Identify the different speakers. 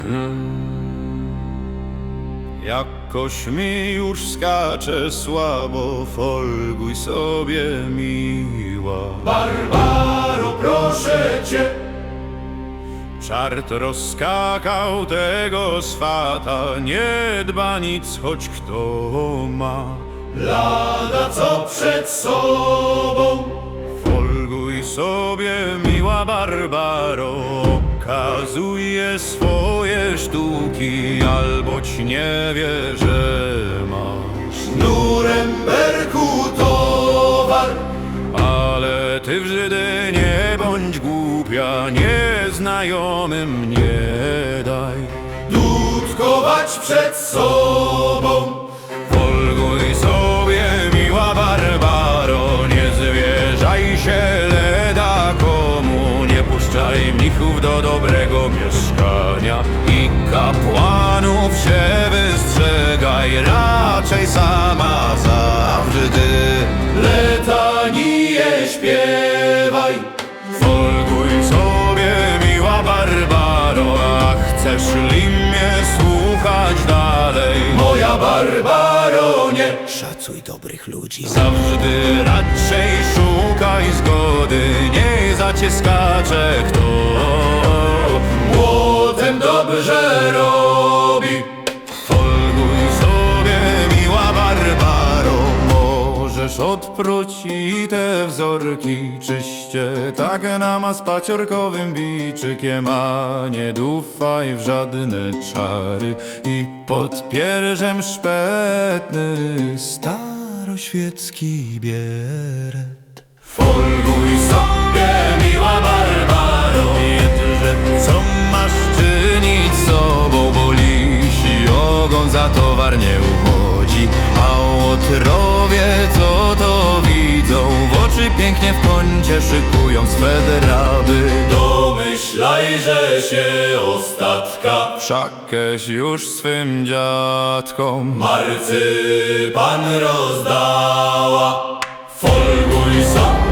Speaker 1: Jakoś mi już skacze słabo, folguj sobie miła.
Speaker 2: Barbaro, proszę cię.
Speaker 1: Czart rozskakał tego swata, nie dba nic, choć kto ma.
Speaker 2: Lada co przed sobą.
Speaker 1: Folguj sobie miła Barbaro, okazuje swoje sztuki, alboć nie wie, że masz
Speaker 2: Nuremberku towar.
Speaker 1: Ale ty w Żydy nie bądź głupia, nieznajomym nie daj
Speaker 2: Dudkować przed sobą.
Speaker 1: Folguj sobie miła Barbaro, nie zwierzaj się leda komu, nie puszczaj mnichów do dobrego mieszkania i kapłanów się wystrzegaj, raczej sama zawsze ty
Speaker 2: Letanię śpiewaj.
Speaker 1: Folguj sobie miła Barbaro, a chcesz li mnie słuchać dalej?
Speaker 2: Moja Barbaro, nie
Speaker 3: Szacuj dobrych ludzi.
Speaker 1: Zawsze raczej szukaj zgody, nie za cię skacze kto.
Speaker 2: młotem dobrze robi.
Speaker 1: Folguj sobie miła Barbaro, możesz odpróć i te wzorki czyście, tak nama z paciorkowym biczykiem, a nie dufaj w żadne czary i pod pierzem szpetny staroświecki bieret.
Speaker 2: Folguj sobie miła Barbaro.
Speaker 1: Jedże co masz czynić sobą, bo lisi ogon za towar nie uchodzi, a łotrowie co to widzą, w oczy pięknie w kącie szykują swe draby.
Speaker 2: Domyślaj, że się ostatka
Speaker 1: Wszakeś już swym dziadkom
Speaker 2: marcypan rozdała. Folguj sobie